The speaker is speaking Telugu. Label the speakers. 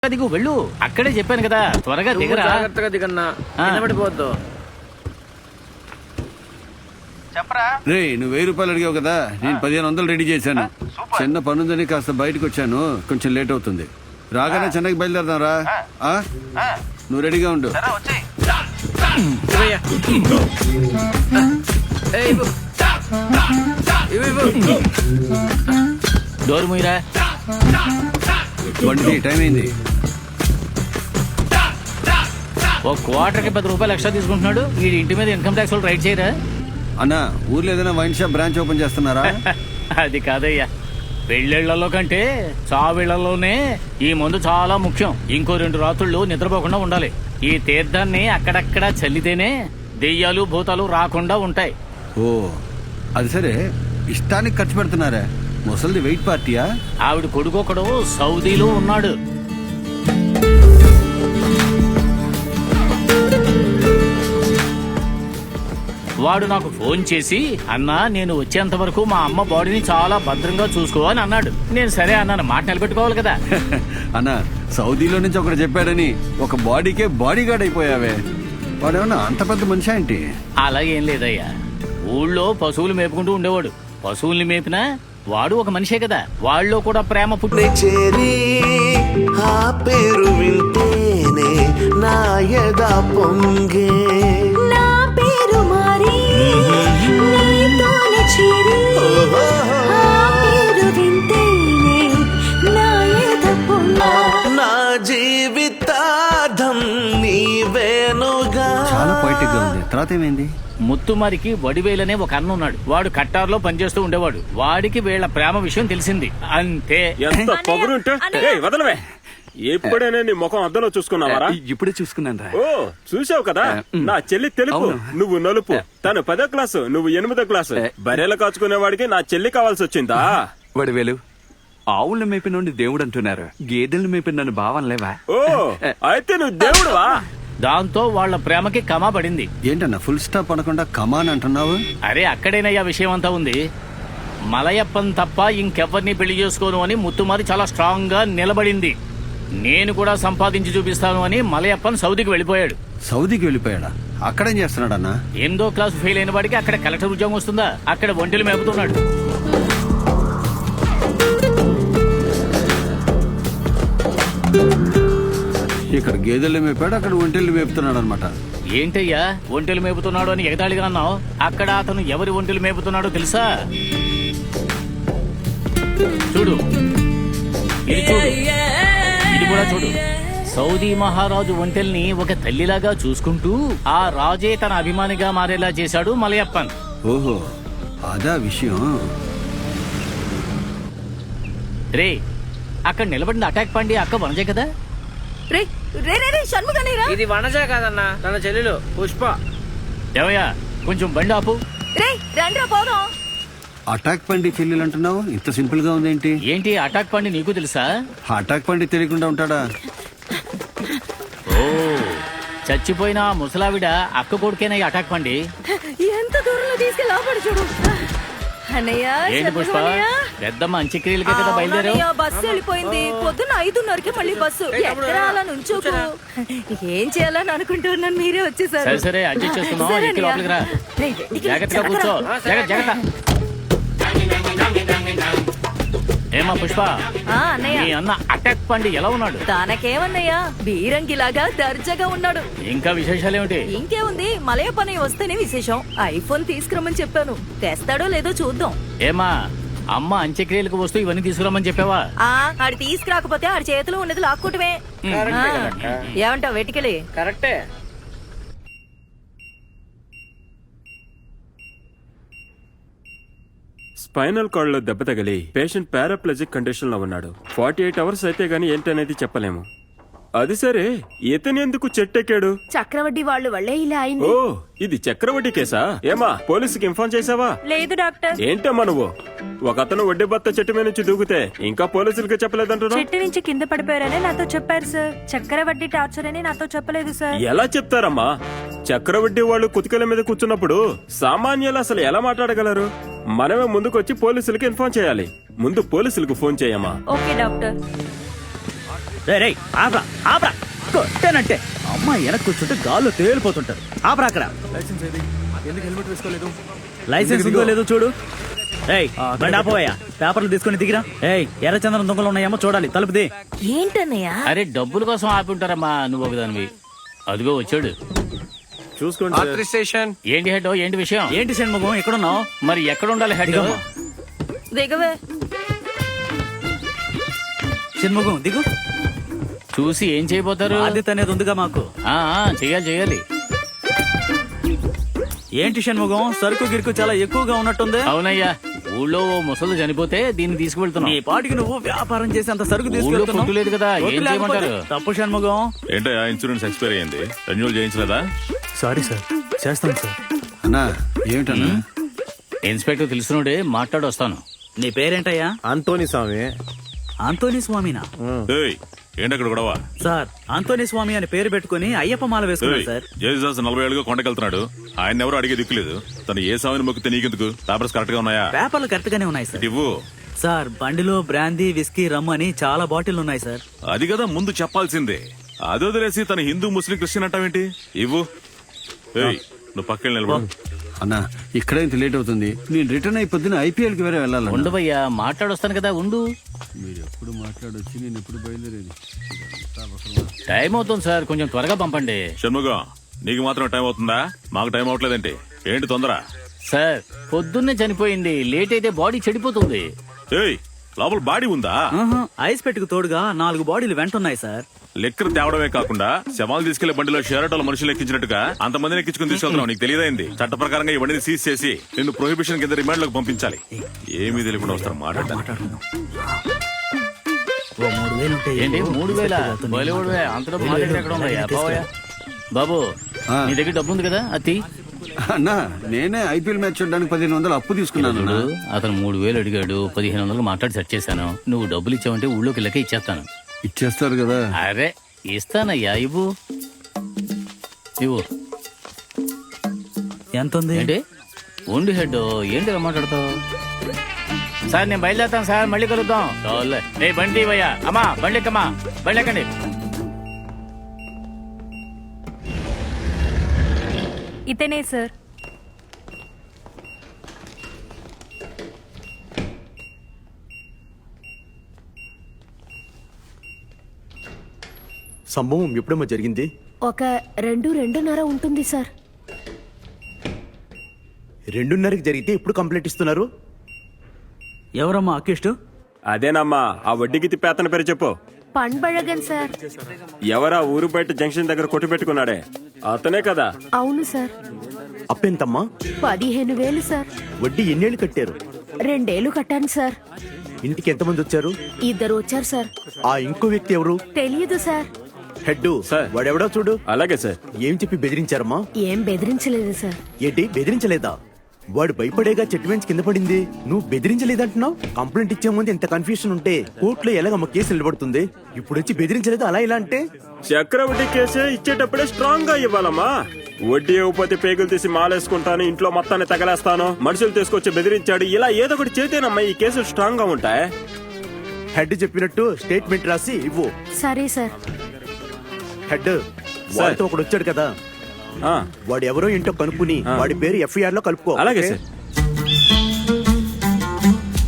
Speaker 1: దిగు వెళ్ళు. అక్కడే చెప్పాను కదా, త్వరగా దిగరా.
Speaker 2: జాగ్రత్తగా దిగన్నా, నిలబడిపోవద్దు.
Speaker 3: చెప్పరా
Speaker 4: రే, నువ్వు 1000 రూపాయలు అడిగావు కదా, నేను 1500 రెడీ చేశాను. చిన్న పనుందని కాస్త బయటకు వచ్చాను, కొంచెం లేట్ అవుతుంది. రాగానే చెన్నైకి బయలుదేరదాం రా. నువ్వు రెడీగా ఉండు.
Speaker 1: డోర్ మూయరా.
Speaker 4: బండి టైం అయింది.
Speaker 1: ఓ క్వార్టర్కి 10 రూపాయలు ఎక్స్ట్రా తీసుకుంటున్నాడు. ఈ ఇంటి మీద ఇన్కమ్ ట్యాక్స్ వాళ్ళు రైడ్ చేయరా?
Speaker 4: అన్నా, ఊర్లో ఏదైనా వైన్ షాప్ బ్రాంచ్ ఓపెన్ చేస్తున్నారా?
Speaker 1: అది కాదయ్యా, పెళ్ళిళ్లలో కంటే చావిళ్లలోనే ఈ మందు చాలా ముఖ్యం. ఇంకో 2 రాత్రుళ్ళు నిద్రపోకుండా ఉండాలి. ఈ తీర్థాన్ని అక్కడక్కడ చల్లితేనే దెయ్యాలు భూతాలు రాకుండా ఉంటాయి.
Speaker 4: ఓ, అది సరే, ఇష్టానికి ఖర్చు పెడుతున్నారా? ముసలిది వెయిట్ పార్టీయా?
Speaker 1: ఆవిడ కొడుకొకడు సౌదీలో ఉన్నాడు. వాడు నాకు ఫోన్ చేసి, అన్నా నేను వచ్చేంత వరకు మా అమ్మ బాడీని చాలా భద్రంగా చూసుకో అని అన్నాడు. నేను సరే అన్నాను, మాట నిలబెట్టుకోవాలి కదా.
Speaker 4: అన్నా, సౌదీలో నుంచి ఒకటి చెప్పాడని ఒక బాడీకే బాడీ గార్డ్ అయిపోయావే. వాడేమన్నా అంత పెద్ద మనిషి ఏంటి?
Speaker 1: అలాగేం లేదయ్యా, ఊళ్ళో పశువులు మేపుకుంటూ ఉండేవాడు. పశువుల్ని మేపినా వాడు ఒక మనిషే కదా. వాళ్ళలో కూడా ప్రేమ పుట్టి
Speaker 5: చేరి ఆ పేరు వింటేనే నా యద పొంగే,
Speaker 6: నా పేరు మారి నీతోనే చేరి ఆ పేరు వింటేనే నా యద పొంగే,
Speaker 5: నా జీవితార్థం నీవేనుగా.
Speaker 4: చాలా పొయిటిక్ గా ఉంది. తర్వాత ఏమైంది?
Speaker 1: ముత్తుమారికి వడివేలనే ఒక అన్న ఉన్నాడు. వాడు కట్టార్లో పనిచేస్తూ ఉండేవాడు. వాడికి వీళ్ళ ప్రేమ విషయం తెలిసింది, అంతే.
Speaker 2: ఎంత పొగరుంటే వదలవే. ఎప్పుడైనా నీ ముఖం అద్దంలో చూసుకున్నావారా?
Speaker 7: ఇప్పుడే చూసుకున్నాను రా.
Speaker 2: ఓ, చూసావు కదా, నా చెల్లి తెలుపు, నువ్వు నలుపు. తను 10వ క్లాసు, నువ్వు 8వ క్లాసు. బర్రెలు కాచుకునేవాడికి నా చెల్లి కావాల్సి వచ్చిందా?
Speaker 7: వడివేలు, ఆవుల్ని మేపి నుండి దేవుడు అంటున్నారు, గేదెల్ని మేపి నన్ను భావనలేవా?
Speaker 2: ఓ, అయితే నువ్వు దేవుడువా?
Speaker 1: దాంతో వాళ్ళ ప్రేమకి కమా పడింది.
Speaker 4: ఏంటన్నా ఫుల్ స్టాప్ అనకుండా కమాన్ అంటున్నావు?
Speaker 1: అరే, అక్కడేనయ్యా విషయం అంతా ఉంది. మలయప్పన్ తప్ప ఇంకెవ్వరిని పెళ్లి చేసుకోను అని ముత్తుమారి చాలా స్ట్రాంగ్ గా నిలబడింది. నేను కూడా సంపాదించి చూపిస్తాను అని మలయప్పన్ సౌదీకి వెళ్ళిపోయాడు.
Speaker 4: సౌదీకి వెళ్ళిపోయాడా? అక్కడేం చేస్తున్నాడన్నా?
Speaker 1: 8వ క్లాస్ ఫెయిల్ అయిన వాడికి అక్కడ కలెక్టర్ ఉద్యోగం వస్తుందా? అక్కడ ఒంటెలు మేపుతున్నాడు.
Speaker 4: ఇక్కడ గేదెలు మేపాడు, అక్కడ ఒంటెళ్ళు మేపుతున్నాడు అనమాట.
Speaker 1: ఏంటయ్యా ఒంటెలు మేపుతున్నాడు అని ఎగతాళిగా అన్నావు? అక్కడ అతను ఎవరి ఒంటెలు మేపుతున్నాడో తెలుసా? చూడు, ఇది చూడు, ఇది కూడా చూడు. సౌదీ మహారాజు ఒంటెల్ని ఒక తల్లిలాగా చూసుకుంటూ ఆ రాజే తన అభిమానిగా మారేలా చేశాడు మలయప్పన్.
Speaker 4: ఓహో, అదా విషయం.
Speaker 1: రే, అక్కడ నిలబడిన అటాక్ పండి అక్క వనజే కదా?
Speaker 6: రే రే రే రే షణ్ముగనేరా.
Speaker 2: ఇది వనజ కాదన్నా, తన చెల్లెలు పుష్ప.
Speaker 1: ఏమయ్యా, కొంచెం బండి ఆపు.
Speaker 6: రే రండ్రా పోదాం.
Speaker 4: అటాక్ పండి చెల్లెలు అంటున్నావు, ఇంత సింపుల్ గా ఉందేంటి?
Speaker 1: ఏంటి అటాక్ పండి నీకు తెలుసా?
Speaker 4: అటాక్ పండి తెలియకుండా ఉంటాడా?
Speaker 1: ఓ, చచ్చిపోయిన ఆ ముసలావిడ అక్క కొడుకేనా ఈ అటాక్ పండి?
Speaker 6: ఎంత దూరంలో తీసుకెళ్ళి లోపడి చూడు. అన్నయ్య,
Speaker 1: ఏంటి పుష్ప, పెద్దమ్మ అంత్యక్రియలకే కదా బయలుదేరావు?
Speaker 6: బస్సు వెళ్ళిపోయింది. పొద్దున్న 5:30కి మళ్ళీ బస్సు. ఎక్కడ అలా నుంచోకు. ఏం చేయాలని అనుకుంటున్నాను, మీరే వచ్చేసారు.
Speaker 1: సరే సరే, అడ్జస్ట్ చేస్తున్నావు. ఎక్కి లోపలికి రా. జాగ్రత్తగా కూర్చో. జాగ్రత్త. ఏమా పుష్ప,
Speaker 6: అన్నయ్య,
Speaker 1: నీ అన్న అటాక్ పండి ఎలా ఉన్నాడు?
Speaker 6: తనకేమన్నయ్యా, బీరంగిలాగా దర్జాగా ఉన్నాడు.
Speaker 1: ఇంకా విశేషాలేమిటి?
Speaker 6: ఇంకేముంది, మలయప్పని వస్తేనే విశేషం. ఐఫోన్ తీసుకురమ్మని చెప్పాను, తెస్తాడో లేదో చూద్దాం.
Speaker 1: ఏమా, అమ్మ అంత్యక్రియలకు వస్తూ ఇవన్నీ తీసుకురమ్మని చెప్పావా?
Speaker 6: ఆడి తీసుకురాకపోతే ఆడి చేతిలో ఉన్నది లాక్కుంటమే. ఏమంటావు వెటికలి?
Speaker 2: కరెక్టే. స్పైనల్ కార్డ్ లో దెబ్బ తగిలి పేషెంట్ పారాప్లజిక్ కండిషన్ లో ఉన్నాడు. 48 అవర్స్ అయితే గానీ ఏంటనేది చెప్పలేము. అది సరే, ఇతను ఎందుకు చెట్టెక్కాడు?
Speaker 6: చక్రవడ్డీ వాళ్ళు వల్లే ఇలా అయింది.
Speaker 2: ఓ, ఇది చక్రవడ్డీ కేసా? ఏమా, పోలీసుకి ఇన్ఫార్మ్ చేసావా?
Speaker 6: లేదు డాక్టర్.
Speaker 2: ఏంటమ్మా నువ్వు? ఒక అతను వడ్డీ బత్త చెట్టు మీద నుంచి దూకితే ఇంకా పోలీసులకి చెప్పలేదంటున్నా?
Speaker 8: చెట్టు నుంచి కింద పడిపోయారని నాతో చెప్పారు సార్. చక్రవడ్డీ టార్చర్ అని నాతో చెప్పలేదు సార్.
Speaker 2: ఎలా చెప్తారమ్మా? చక్రవడ్డీ వాళ్ళు కుతికల మీద కూర్చున్నప్పుడు సామాన్యులు అసలు ఎలా మాట్లాడగలరు? మనమే ముందుకొచ్చి పోలీసులకి ఇన్ఫార్మ్ చేయాలి. ముందు పోలీసులకు ఫోన్ చేయమ్మా.
Speaker 8: Okay doctor.
Speaker 3: రేయ్ ఆపరా ఆపరా కొట్టానంటే అమ్మాయి వెనక్కి కూర్చుంటే గాల్లో తేలిపోతుంటారు. ఆపరా అక్కడ. లైసెన్స్ ఉందో లేదో చూడు. ఏయ్ బండి ఆపోయా, పేపర్లు తీసుకొని దిగిరా. ఏయ్ ఎర్రచందనం దొంగలు ఉన్నాయేమో చూడాలి, తలుపుది.
Speaker 6: ఏంటన్నయ్య?
Speaker 1: అరే డబ్బుల కోసం ఆపి ఉంటారమ్మా, నువ్వు ఒకదానివి. అదిగో వచ్చాడు.
Speaker 2: చూసుకోండి.
Speaker 1: ఏంటి హెడ్, ఏంటి విషయం?
Speaker 3: ఏంటి షణ్ముఖం ఎక్కడున్నావు?
Speaker 1: మరి ఎక్కడ ఉండాలి హెడ్?
Speaker 6: దిగవే.
Speaker 3: షణ్ముఖం దిగు.
Speaker 1: చూసి ఏం చేయబోతారు?
Speaker 3: బాధ్యత అనేది ఉందిగా మాకు.
Speaker 1: చెయ్యాలి.
Speaker 3: ఏంటి షణ్ముఖం, సరుకు గిరుకు చాలా ఎక్కువగా ఉన్నట్టుంది.
Speaker 1: అవునయ్యా, ఊళ్ళో ఓ ముసలు చనిపోతే దీన్ని తీసుకువెళ్తున్నాం.
Speaker 3: నీ పాటికి నువ్వు వ్యాపారం చేసి అంత సరుకు
Speaker 1: ఊళ్ళో
Speaker 3: తీసుకెళ్తున్నావు.
Speaker 1: ఫుడ్ లేదు కదా, ఏం
Speaker 3: వద్దు లేకపోతే
Speaker 1: చేయమంటారు?
Speaker 3: తప్పు షణ్ముఖం.
Speaker 9: ఏంటయ్యా ఇన్సూరెన్స్ ఎక్స్పైర్ అయ్యింది, రెన్యూల్ చేయించలేదా?
Speaker 3: సారీ సార్, చేస్తాను సార్.
Speaker 4: అన్నా ఏమిటన్నా?
Speaker 1: ఇన్స్పెక్టర్ తెలుసునుడే, మాట్లాడి వస్తాను.
Speaker 3: నీ పేరేంటయ్యా?
Speaker 10: అంతోని స్వామి.
Speaker 3: ఆంతోనీ స్వామినా?
Speaker 9: ఏయ్, ఏంటక్కడ గొడవ?
Speaker 3: సార్ ఆంతోనీ స్వామి అని పేరు పెట్టుకుని అయ్యప్ప మాల వేసుకున్నాడు సార్.
Speaker 9: జేసస్ 40 ఏళ్ళుగా కొండకెళ్తున్నాడు, ఆయన ఎవరు అడిగే దిక్కులేదు. తను ఏ స్వామిని మొక్కితే నీకెందుకు? పేపర్స్ కరెక్ట్ గా ఉన్నాయా?
Speaker 3: పేపర్లు కరెక్ట్ గానే ఉన్నాయి సార్.
Speaker 9: ఇవ్వు.
Speaker 3: సార్ బండిలో బ్రాందీ విస్కీ రమ్ అని చాలా బాటిల్ ఉన్నాయి సార్.
Speaker 9: అది కదా ముందు చెప్పాల్సిందే. అది వదిలేసి తన హిందూ ముస్లిం క్రిస్టియన్ అంటావేంటి? ఇవ్వు. ఏయ్, నువ్వు పక్కన నిలబడు.
Speaker 4: అన్నా ఇక్కడే ఇంత లేట్ అవుతుంది, నేను రిటర్న్ అయి పొద్దున ఐపీఎల్ కి వేరే వెళ్ళాలి.
Speaker 1: ఉండవయ్యా, మాట్లాడొస్తాను కదా, ఉండు.
Speaker 4: మీరు ఎప్పుడు మాట్లాడొచ్చి నేను ఎప్పుడు బయలుదేరేది?
Speaker 1: టైం అవుతుంది సార్, కొంచెం త్వరగా పంపండి.
Speaker 9: షణ్ముఖం, నీకు మాత్రం టైం అవుతుందా? మాకు టైం అవట్లేదంటే ఏంటి తొందర?
Speaker 1: సార్ పొద్దున్నే చనిపోయింది, లేట్ అయితే బాడీ చెడిపోతుంది.
Speaker 9: ఏయ్, లోపల బాడీ ఉందా?
Speaker 3: ఆహా, ఐస్ పెట్టుకు తోడుగా 4 బాడీలు వెంటున్నాయి సార్.
Speaker 9: లెక్కర్ తేవడమే కాకుండా శవాలు తీసుకెళ్లే బండిలో షేరటోల మనుషులు ఎక్కించినట్టుగా అంతమందిని ఎక్కించుకుని తీసుకెళ్తున్నావు. నీకు తెలియదైంది. చట్ట ప్రకారంగా ఈ బండిని సీజ్ చేసి నిన్ను ప్రొహిబిషన్ కింద రిమాండ్ లోకి పంపించాలి. ఏమీ తెలియకుండా వస్తారు మాట్లాడతాను.
Speaker 3: ఓ 3,000 ఉంటాయి.
Speaker 1: ఏంటి 3,000? బాలీవుడ్వే, అంత డబ్బు మా దగ్గర ఎక్కడ ఉందయ్యా? బావయ్యా. బాబు నీ దగ్గర డబ్బు ఉంది కదా, అతి.
Speaker 4: అన్నా నేనే ఐపీఎల్ మ్యాచ్ చూడడానికి 1500 అప్పు తీసుకున్నాను అన్నా.
Speaker 1: అతను 3,000 అడిగాడు, 1,500 మాట్లాడి సెట్ చేశాను. నువ్వు డబ్బులు ఇచ్చావంటే ఊళ్ళోకి వెళ్ళక ఇచ్చేస్తాను.
Speaker 4: ఇచ్చేస్తారు కదా?
Speaker 1: అరే ఇస్తానయ్యా, ఇవ్వు.
Speaker 3: ఎంత ఉంది?
Speaker 1: ఏంటి ఉండి హెడ్, ఏంటి మాట్లాడతావు? సార్ నేను బయలుదేరుతాను సార్, మళ్ళీ కలుద్దాం. ఏ బండి ఇవ్వయ్యా. అమ్మా బండి ఎక్కమ్మా, బండి ఎక్కండి.
Speaker 8: ఇతనే సార్.
Speaker 10: సంభవం ఎప్పుడమ్మా జరిగింది?
Speaker 6: ఒక 2-2:30 ఉంటుంది సార్.
Speaker 10: 2:30కి జరిగితే ఎప్పుడు కంప్లైంట్ ఇస్తున్నారు?
Speaker 3: ఎవరమ్మా అక్కిష్టు?
Speaker 2: అదేనమ్మా, ఆ వడ్డీకి తిప్పేతన పేరు చెప్పు.
Speaker 6: పండ్బళగన్ సార్.
Speaker 2: ఎవరా ఊరు బయట జంక్షన్ దగ్గర కొట్టు పెట్టుకున్నాడే, అతనే కదా?
Speaker 6: అవును సార్.
Speaker 10: అప్పెంతమ్మా?
Speaker 6: 15,000 సార్.
Speaker 10: వడ్డీ ఎన్నేళ్ళు కట్టారు?
Speaker 6: 2 ఏళ్లు కట్టాను సార్.
Speaker 10: ఇంటికి ఎంతమంది వచ్చారు?
Speaker 6: 2 వచ్చారు సార్.
Speaker 10: ఆ ఇంకో వ్యక్తి ఎవరు?
Speaker 6: తెలియదు సార్.
Speaker 10: Head
Speaker 2: sir.
Speaker 10: వాడెవడో చూడు.
Speaker 2: అలాగే సార్.
Speaker 10: ఏం చెప్పి బెదిరించారమ్మా?
Speaker 6: ఏం బెదిరించలేదు సార్.
Speaker 10: ఏంటి బెదిరించలేదా? వాడు భయపడేగా చెట్టు వెంచి కింద పడింది, నువ్వు బెదిరించలేదంటున్నావు. కంప్లైంట్ ఇచ్చే ముందు ఇంత కన్ఫ్యూషన్ ఉంటే కోర్టులో ఎలాగమ్మ కేసు నిలబడుతుంది? ఇప్పుడు వచ్చి బెదిరించలేదు అలా ఇలా అంటే?
Speaker 2: చక్రవడ్డీ కేసు ఇచ్చేటప్పుడే స్ట్రాంగ్ గా ఇవ్వాలమ్మా. వడ్డీ ఇవ్వకపోతే పేగులు తీసి మాలేసుకుంటాను, ఇంట్లో మొత్తాన్ని తగలేస్తాను, మనుషులు తీసుకొచ్చి బెదిరించాడు, ఇలా ఏదో ఒకటి చేతేనమ్మా ఈ కేసులు స్ట్రాంగ్ గా ఉంటాయి.
Speaker 10: హెడ్ చెప్పినట్టు స్టేట్మెంట్ రాసి ఇవ్వు.
Speaker 6: సరే సార్.
Speaker 10: హెడ్ వాడితో ఒకడు వచ్చాడు కదా, వాడు ఎవరో ఏంటో కనుక్కుని వాడి పేరు FIR లో కలుపుకో.
Speaker 2: అలాగే
Speaker 10: ఓకే?
Speaker 2: సార్.